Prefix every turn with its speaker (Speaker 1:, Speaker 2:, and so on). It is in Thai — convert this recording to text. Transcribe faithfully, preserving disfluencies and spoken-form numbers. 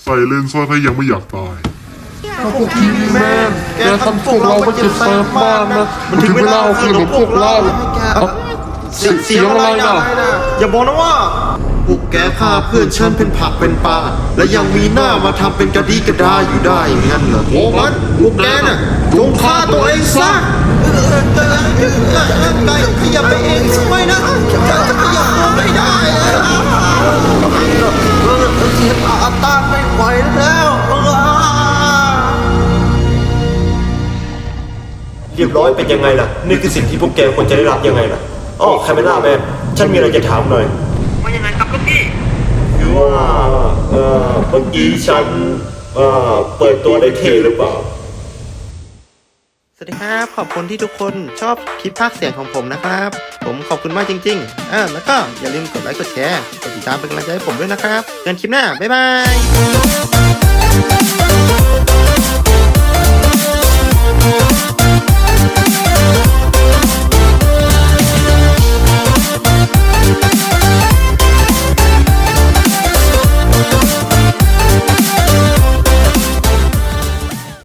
Speaker 1: ใส่เลนส์ซะถ้ายังไม่อยากตาย
Speaker 2: ถ้าพวกทีวีแมนแกทำพวกเราก็เจ็บแสบมากนะมันถึงเวลาเอาคืนของพวกเราเสียงอะไรนะอย่าบอกนะว่าพวกแกฆ่าเพื่อนฉันเป็นผักเป็นปลาและยังมีหน้ามาทำเป็นกระดีกระดาอยู่ได้อย่างนั้นเหรอโอ้มันพวกแกน่ะจงฆ่าตัวเองซะไก่ขยับไปเองทำไมนะจะขยับตัวไม่ได้เสียอาตาไม่ไหวแล้วเรียบร้อยเป็นยังไงล่ะนี่คือสิ่งที่พวกแกควรจะได้รับยังไงล่ะอ๋อคาเมล่าแมนฉันมีอะไรจะถามหน่อย
Speaker 3: ว่ายังไงครับลูกพี่
Speaker 2: คือว่าเอ่อเมื่อกี้ฉันเอ่อเปิดตัวได้เท่หรือเปล่า
Speaker 4: สวัสดีครับขอบคุณที่ทุกคนชอบคลิปภาคเสียงของผมนะครับผมขอบคุณมากจริงๆอ่าแล้วก็อย่าลืมกดไลค์กดแชร์กดติดตามเป็นกำลังใจให้ผมด้วยนะครับเจอกันคลิปหน้าบ๊ายบาย